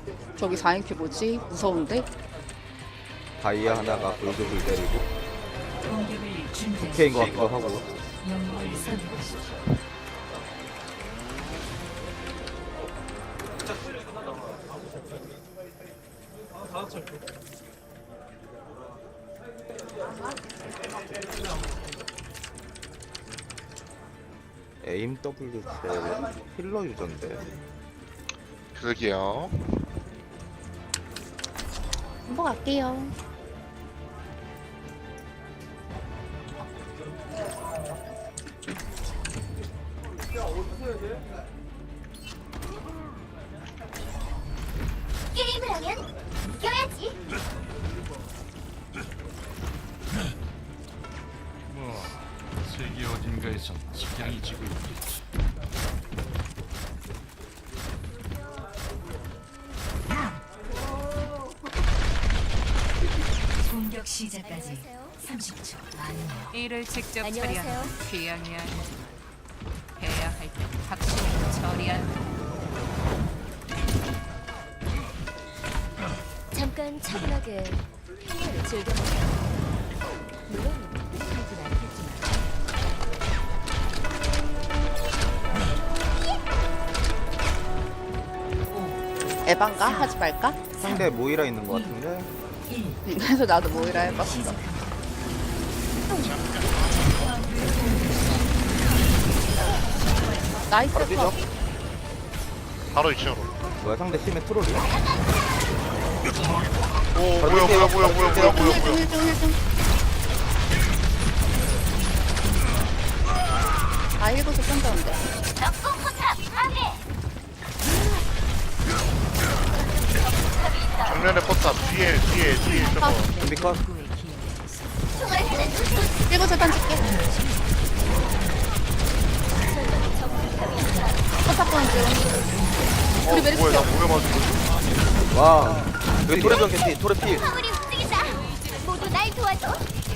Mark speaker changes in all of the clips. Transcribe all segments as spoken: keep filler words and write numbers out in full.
Speaker 1: 저기 사 인큐 뭐지? 무서운데?
Speaker 2: 다이아 하나가 골드를 때리고
Speaker 3: 공격을 준비하십시오.
Speaker 2: 오케이인 것 같기도 하고.
Speaker 3: 영웅을 선택하십시오.
Speaker 2: 에임 더블유 힐러 유저인데.
Speaker 4: 그러게요.
Speaker 1: 한번 갈게요.
Speaker 5: 게임을 하면 이겨야지.
Speaker 6: 뭐 세계 어딘가에선 식량이 지고 있겠지.
Speaker 3: 공격 시작까지 삼십 초.
Speaker 7: 일을 직접
Speaker 5: 안녕하세요.
Speaker 7: 처리하는 취향이 아니지만 해야 할 때 확실히 처리하는
Speaker 5: 잠깐 차분하게 평화를 즐겨보세요. 물론 하진 않겠지만.
Speaker 1: 에반가? 하지 말까?
Speaker 2: 상대 모이라 있는 것 같은데.
Speaker 1: 그래서 나도 모이라 해봤어. 나이스
Speaker 2: 바로 뛰죠.
Speaker 1: 컷.
Speaker 4: 바로 이 층으로.
Speaker 2: 뭐야 상대 팀의 트롤이야?
Speaker 4: 오
Speaker 2: 바로
Speaker 4: 뭐야
Speaker 2: 뛰세요.
Speaker 4: 뭐야 뭐야 뭐야 뭐야 뭐야 뭐야.
Speaker 1: 힐중 힐중. 아 일곱시 쏜다는데.
Speaker 4: 정면에 포탑 뒤에 뒤에 뒤에 저거.
Speaker 2: 준비 컷.
Speaker 1: 일곱시 던질게. 포탑 던지.
Speaker 4: 어
Speaker 1: 우리 메리스
Speaker 4: 뭐야 나 목에 맞은 거지?
Speaker 2: 와. 여기 토레병 캔티 토레 필.
Speaker 5: 우리 움직이자. 모두 날 도와줘.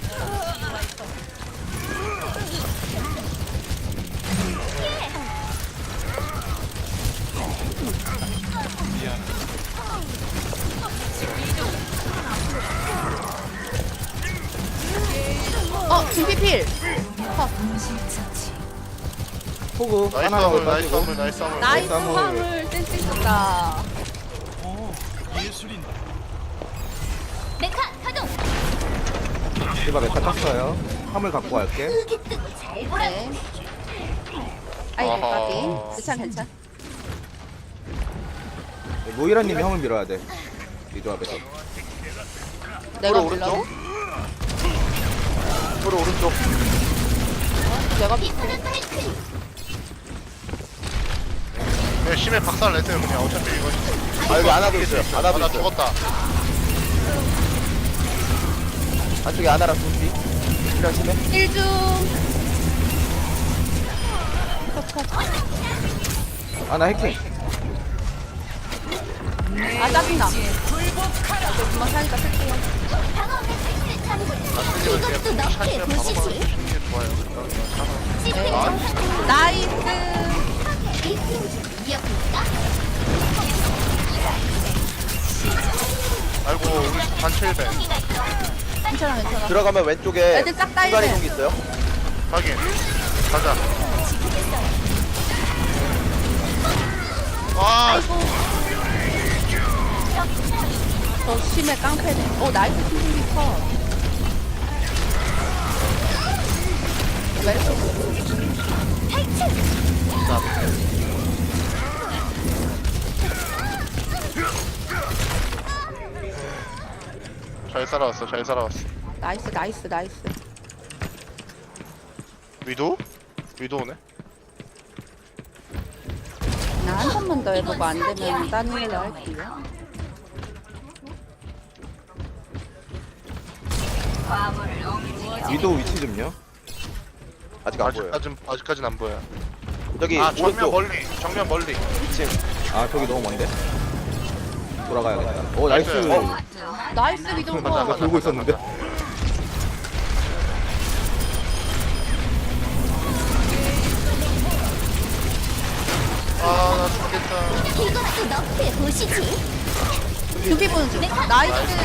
Speaker 1: 어 준비필.
Speaker 2: 호구
Speaker 4: 나이스
Speaker 2: 하나
Speaker 4: 화물 나이스
Speaker 2: 가지고.
Speaker 4: 화물 나이스 화물.
Speaker 1: 나이스
Speaker 2: 한번.
Speaker 1: 화물 센스 있었다.
Speaker 6: 예술인다.
Speaker 5: 메카 가동.
Speaker 2: 디바 메카 땄어요. 화물 갖고 갈게.
Speaker 5: 크게 뜨고 잘 보라.
Speaker 1: 네. 아이고
Speaker 4: 아하.
Speaker 1: 까비. 괜찮 괜찮.
Speaker 2: 모이라님이 형을 밀어야 돼. 이 조합에서.
Speaker 1: 내가
Speaker 2: 오른쪽.
Speaker 1: 밀라고?
Speaker 2: 토레 오른쪽.
Speaker 1: 내가 밀.
Speaker 5: 이거는 파이크.
Speaker 4: 그냥 심해 박살 내세요 그냥 어차피 이거.
Speaker 2: 아 여기 안하도 있어요.
Speaker 4: 아,
Speaker 2: 안하도
Speaker 4: 나
Speaker 2: 있어요.
Speaker 4: 죽었다.
Speaker 2: 안쪽에 아나랑 준비. 이랑 심해.
Speaker 1: 일중.
Speaker 2: 아나 해킹.
Speaker 1: 아 짜증나. 나 이거 그만 사니까 쓸게요.
Speaker 5: 방어 매트릭스 잠글.
Speaker 4: 이것도
Speaker 5: 이것도 너의 도시지.
Speaker 4: 좋아요.
Speaker 1: 네.
Speaker 5: 아.
Speaker 1: 나이스.
Speaker 5: 일팀 이어볼까?
Speaker 4: 아이고 우리 단체 일배.
Speaker 1: 괜찮아 괜찮아.
Speaker 2: 들어가면 왼쪽에
Speaker 1: 애들 싹 딸려.
Speaker 2: 순간 이동기 있어요.
Speaker 4: 확인. 가자. 아
Speaker 1: 아이고. 저 심해 깡패네. 어 나이스 킹킹 컷. 왜?
Speaker 4: 잘 살아왔어 잘 살아왔어.
Speaker 1: 나이스 나이스 나이스.
Speaker 4: 위도? 위도 오네.
Speaker 1: 나 한 번만 더 해보고 안 되면 딴 일로 할게요.
Speaker 2: 위도 위치 좀요. 아직 안 보여요.
Speaker 4: 아직까진 아직까진 안 보여.
Speaker 2: 저기
Speaker 4: 아 정면
Speaker 2: 오른쪽
Speaker 4: 멀리 정면 멀리.
Speaker 2: 이 층. 아 저기 너무 먼데. 돌아가야겠다. 오 나이스.
Speaker 4: 나이스.
Speaker 2: 어,
Speaker 1: 나이스 미동
Speaker 4: 맞아,
Speaker 1: 컷.
Speaker 4: 맞아.
Speaker 2: 돌고 있었는데.
Speaker 4: 아나 죽겠다. 나이스.
Speaker 5: 이것도 너프에 보시지.
Speaker 1: 두피 보는 중. 나이스.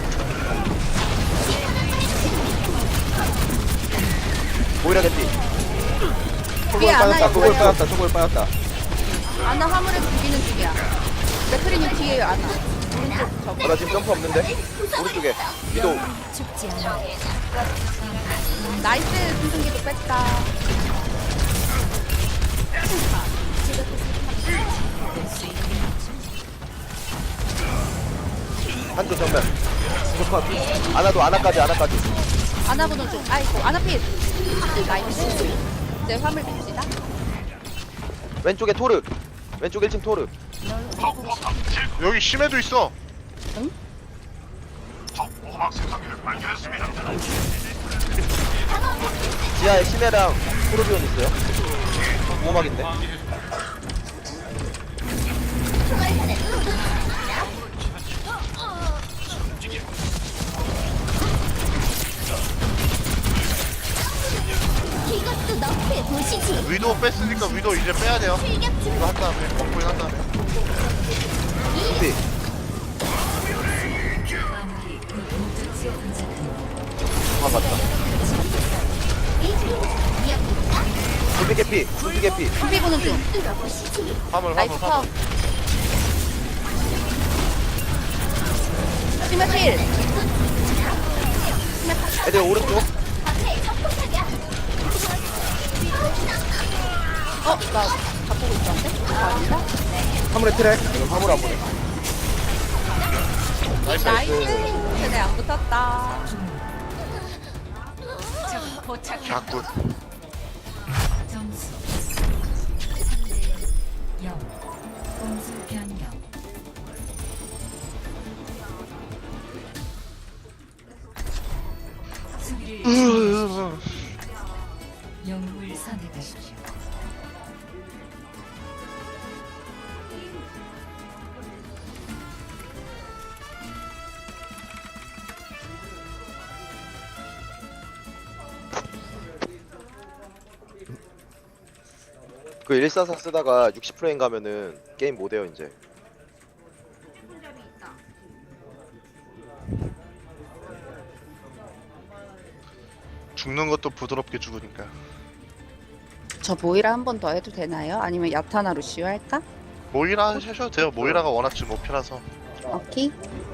Speaker 2: 모이라 개피. 초골
Speaker 1: 뒤에 안나
Speaker 2: 빠졌다. 초골
Speaker 1: 있어요.
Speaker 2: 빠졌다. 초골 빠졌다.
Speaker 1: 아나 화물에서 죽이는 중이야. 맥크리님 뒤에 아나. 오른쪽
Speaker 2: 어,
Speaker 1: 저거.
Speaker 2: 나 지금 점프 없는데? 오른쪽에. 위도.
Speaker 3: 죽지 않아.
Speaker 1: 나이스. 승승기도 뺐다.
Speaker 2: 한조 정면. 컷. 아나도 아나까지 아나까지.
Speaker 1: 아나 보는 중. 아이고 아나 필. 나이스. 이제 화물 봅시다.
Speaker 2: 왼쪽에 토르. 왼쪽 일 층 토르.
Speaker 4: 여기 심해도 있어.
Speaker 2: 지하에 심해랑 토르비온 있어요. 보호막인데.
Speaker 5: 이것도 너프에 보시지.
Speaker 4: 위도 뺐으니까 위도 이제 빼야 돼요.
Speaker 5: 출격 중.
Speaker 4: 이거 한 다음에 먹고 한 다음에.
Speaker 2: 토피.
Speaker 3: 마무리 그 목적지에 도착한
Speaker 2: 아 맞다.
Speaker 5: 이어볼까?
Speaker 2: 토피 개피. 토피 개피.
Speaker 1: 두피 보는 중.
Speaker 5: 뚫어보시지.
Speaker 4: 화물
Speaker 1: 나이스
Speaker 4: 화물
Speaker 1: 컵.
Speaker 4: 화물.
Speaker 1: 심해 필.
Speaker 2: 애들 오른쪽.
Speaker 5: 앞에 적폭탄이야.
Speaker 1: 어? 나 바꾸고 있었는데? 아, 아니다?
Speaker 2: 화물에 트랙. 이건 화물 안 보내.
Speaker 4: 나이스.
Speaker 1: 나이스. 근데 안 붙었다.
Speaker 7: 적 포착.
Speaker 4: 자꾸.
Speaker 3: 점수 삼 대 영. 공수 변경. 수비를 준비하십시오. 영웅을 선택하십시오.
Speaker 2: 그 일사사 쓰다가 육십 프레임 가면은 게임 못 해요 이제.
Speaker 4: 죽는 것도 부드럽게 죽으니까.
Speaker 1: 저 모이라 한 번 더 해도 되나요? 아니면 야타나 루시오 할까?
Speaker 4: 모이라 하셔도 돼요. 모이라가 워낙 지금 오피라서.
Speaker 1: 오케이.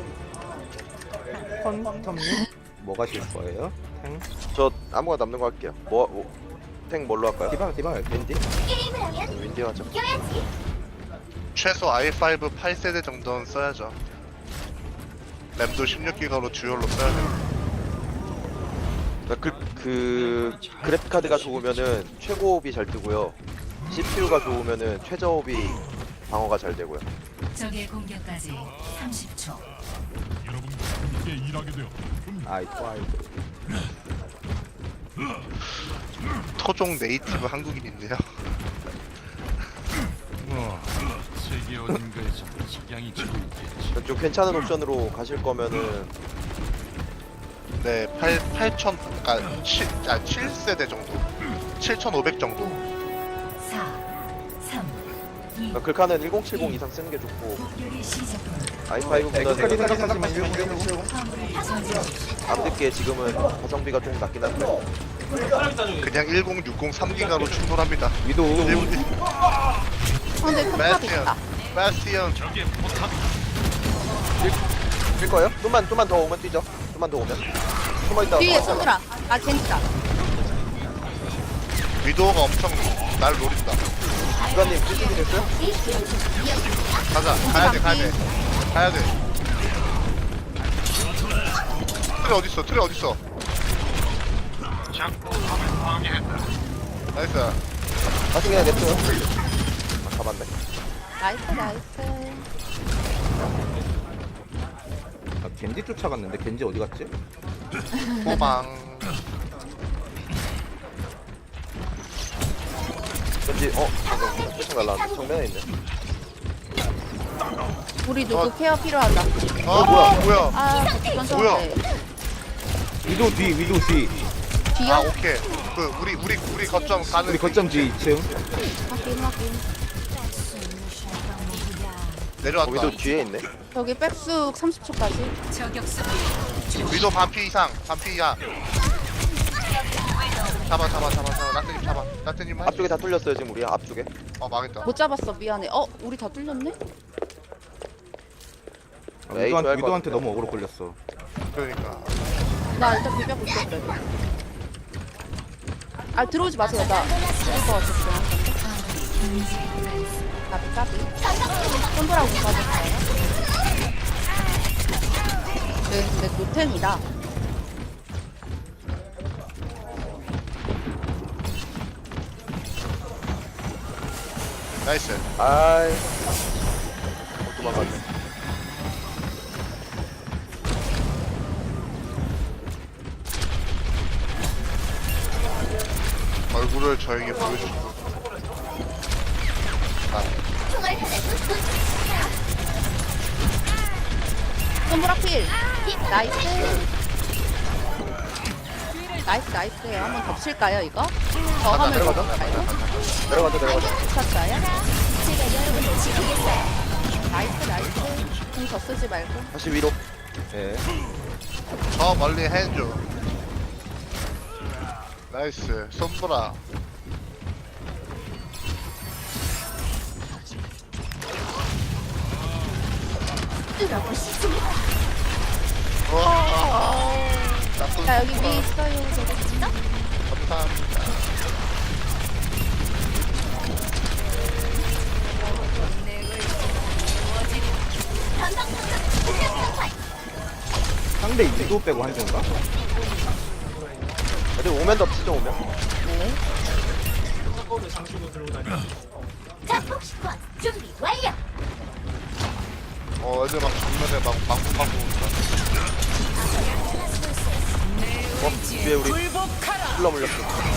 Speaker 2: 뭐 가실 거예요? 탱? 저 아무거나 남는 거 할게요. 뭐, 뭐, 탱 뭘로 할까요? 디바, 디바, 윈디?
Speaker 5: 게임을 하면
Speaker 2: 윈디 하죠.
Speaker 5: 이겨야지.
Speaker 4: 최소 아이 파이브 팔 세대 정도는 써야죠. 램도 십육 기가로 듀얼로 써야 돼요.
Speaker 2: 그러니까 그, 그 그래픽 카드가 좋으면은 최고업이 잘 뜨고요. 씨피유가 좋으면은 최저업이 방어가 잘 되고요.
Speaker 3: 적의 공격까지 삼십 초.
Speaker 2: 아이 파이브.
Speaker 4: 토종 네이티브 한국인인데요.
Speaker 6: 뭐 세계 어딘가에서 석양이 지고 있겠지.
Speaker 2: 좀 괜찮은 옵션으로 가실 거면은
Speaker 4: 네, 팔, 팔천, 아, 칠, 아, 칠 세대 정도. 칠천오백 정도.
Speaker 3: 사, 삼, 이.
Speaker 2: 그러니까 글카는 천칠십 이상 쓰는 게 좋고
Speaker 3: 공격이 시작됩니다.
Speaker 2: 아이 파이브보다는
Speaker 3: 화물을 저지하십시오.
Speaker 2: 앞늦게 지금은 가성비가 좀 낮긴 한데
Speaker 4: 그냥 천육십 삼 기가로 충돌합니다.
Speaker 2: 위도
Speaker 1: 어, 근데 포탑
Speaker 4: 바스티언,
Speaker 1: 있다.
Speaker 4: 바스티언.
Speaker 2: 뛸 거예요? 좀만 좀만 더 오면 뛰죠. 좀만 더 오면 숨어 있다가
Speaker 1: 뒤에 손들아. 아, 젠지다.
Speaker 4: 위도우가 엄청 날 노린다.
Speaker 2: 주관님 찔찔이 됐어요?
Speaker 4: 가자, 가야 돼, 가야 돼. 가야 돼. 트레 어딨어, 트레 어딨어. 나이스.
Speaker 2: 다시 그냥 냅둬요. 아, 잡았네.
Speaker 1: 나이스, 나이스.
Speaker 2: 아, 겐지 쫓아갔는데 겐지 어디 갔지?
Speaker 4: 호방.
Speaker 2: 겐지 어 잠깐 쫓아 날라왔네. 정면에 있네.
Speaker 1: 우리 누구
Speaker 4: 어.
Speaker 1: 케어 필요하다.
Speaker 4: 아, 뭐야, 뭐야.
Speaker 1: 아, 전데
Speaker 4: 뭐야?
Speaker 2: 위도 뒤 위도 뒤.
Speaker 4: 아,
Speaker 1: 뒤요?
Speaker 4: 오케이. 그, 우리, 우리, 우리 거점 가는.
Speaker 2: 우리 거점 뒤 이 층.
Speaker 1: 확인, 확인.
Speaker 4: 내려왔다.
Speaker 2: 위도 뒤에 있네.
Speaker 1: 여기 백숙 삼십 초까지.
Speaker 7: 저격수
Speaker 4: 위도 반피 이상, 반피 이하. 잡아, 잡아, 잡아, 잡아. 나트님 잡아. 나트님 한.
Speaker 2: 앞쪽에 다 뚫렸어요 지금 우리 앞쪽에.
Speaker 4: 어 망했다.
Speaker 1: 못 잡았어 미안해. 어 우리 다 뚫렸네?
Speaker 8: 아,
Speaker 2: 에이,
Speaker 8: 위도한,
Speaker 2: 좋아할 것
Speaker 8: 위도한테
Speaker 2: 같은데.
Speaker 8: 너무 어그로 끌렸어.
Speaker 4: 그러니까.
Speaker 1: 나 일단 비벼고 있었어. 여기. 아 들어오지 마세요. 나 죽을 것 같았어. 까비 까비. 손보라고 빠졌어요. 네, 근데 노템이다.
Speaker 4: 나이스.
Speaker 2: 아이. 어, 도망갔네.
Speaker 4: 얼굴을 저에게 보여주고. 아,
Speaker 5: 총알 하나도
Speaker 1: 손보라 필. 나이스. 나이스 나이스. 한번 덮칠까요 이거? 저
Speaker 4: 가자,
Speaker 1: 화물
Speaker 2: 내려가자.
Speaker 1: 덮칠까요?
Speaker 2: 내려가자 내려가자.
Speaker 1: 쳤어요?
Speaker 5: 제가 여러분을 지키겠어요.
Speaker 1: 나이스 나이스. 공저 쓰지 말고.
Speaker 2: 다시 위로.
Speaker 8: 네.
Speaker 4: 저 멀리 해줘. 나이스. 손보라.
Speaker 5: 뚫어보시지.
Speaker 4: 와. 나쁜
Speaker 1: 자 여기
Speaker 4: 손보라.
Speaker 1: 위 있어요.
Speaker 4: 감사합니다.
Speaker 8: 상대 위도 빼고 한 조인가?
Speaker 2: 어디 오면 덮치죠 오면.
Speaker 1: 네.
Speaker 5: 자폭식권 준비 완료.
Speaker 4: 어, 애들 막 정면에 막 막무방무 온다.
Speaker 2: 어 뒤에 우리 흘러 물렸어.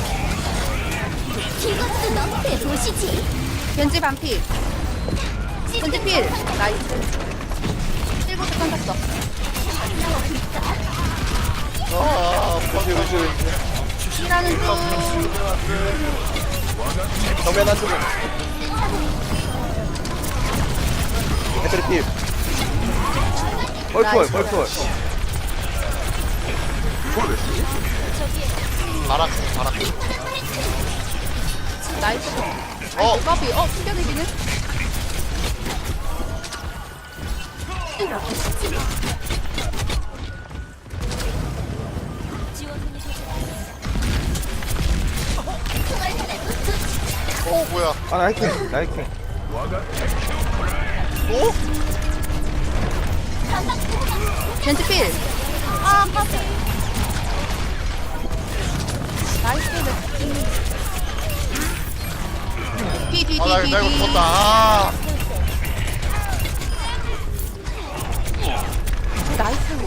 Speaker 5: 이것도 너프해 보시지.
Speaker 1: 겐지 반필. 겐지 필. 나이스. 일곱 개 던졌어.
Speaker 4: 아,
Speaker 2: 그렇지 그렇지 그렇지.
Speaker 1: 일하는 중.
Speaker 2: 정면 한 쪽에. 배터리 필.
Speaker 8: 펄펄 펄펄.
Speaker 4: 바람, 바람.
Speaker 1: 나이스.
Speaker 4: 어,
Speaker 1: 커피. 어 숨겨내기는?
Speaker 5: 뚫어보시지. 총알 하나도
Speaker 4: 어, 뭐야.
Speaker 8: 아 나이킹 나이킹.
Speaker 4: 어?
Speaker 1: 겐지 필. 아 커피. 나이스. 뒤뒤
Speaker 4: 아, 나,
Speaker 1: 뒤
Speaker 4: 나 이거
Speaker 1: 뒤.
Speaker 4: 죽었다. 아,
Speaker 1: 나이스.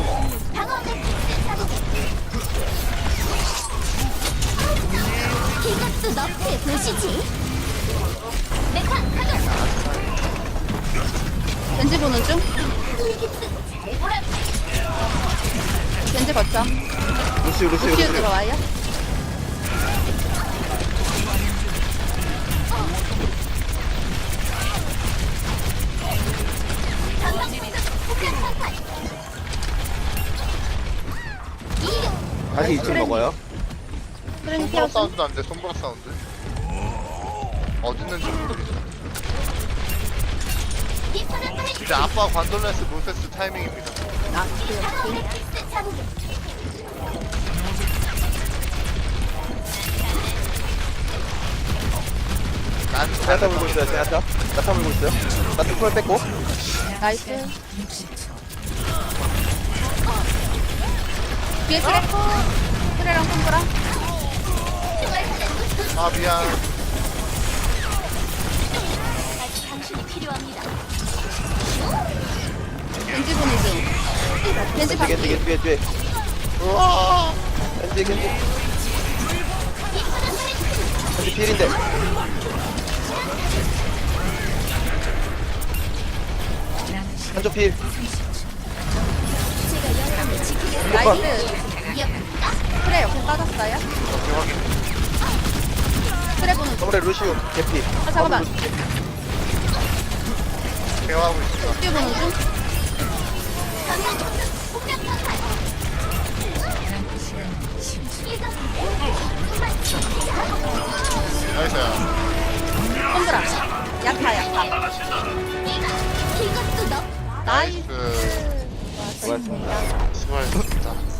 Speaker 5: 이것도 너프해 보시지. 메카 가동.
Speaker 1: 겐지 보는 중.
Speaker 5: 잘 보라.
Speaker 1: 겐지 거점.
Speaker 8: 루시 루시
Speaker 1: 루시우
Speaker 8: 루시.
Speaker 1: 들어와요.
Speaker 8: 다시 이 층 먹어요.
Speaker 1: 그러니
Speaker 4: 손보라
Speaker 1: 피어스.
Speaker 4: 사운드 안 돼, 손보라 사운드. 어디 있는지 모르겠어. 이제 아빠 관돌레스 몬세스 타이밍입니다.
Speaker 1: 아 그래요.
Speaker 4: 난
Speaker 2: 제아타 물고 있어요 제아타. 나타 물고 있어요. 나타 풀 뺐고.
Speaker 1: 나이스. 뒤에 트래커. 트래랑 손보라.
Speaker 4: 아, 미안.
Speaker 5: 당신이 필요합니다.
Speaker 1: 겐지 보는 중. 겐지
Speaker 2: 겐지 겐지
Speaker 1: 반필.
Speaker 2: 겐지 뒤에 뒤에. 우와. 겐지 겐지. 겐지 필인데. 한쪽 필.
Speaker 1: 나이스. 트래 옆에 빠졌어요.
Speaker 4: 오케이, 확인.
Speaker 1: 트래 보는 중.
Speaker 2: 서울의 루시우 개피.
Speaker 1: 아 잠깐만.
Speaker 4: 케어하고 있어.
Speaker 1: 뒤에 보는 중.
Speaker 4: 나이스야.
Speaker 1: 손들아. 야타 야타.
Speaker 5: 이것도 너
Speaker 1: 나이스.
Speaker 4: 나이스.
Speaker 8: 수고하셨습니다.
Speaker 4: 수고하셨습니다.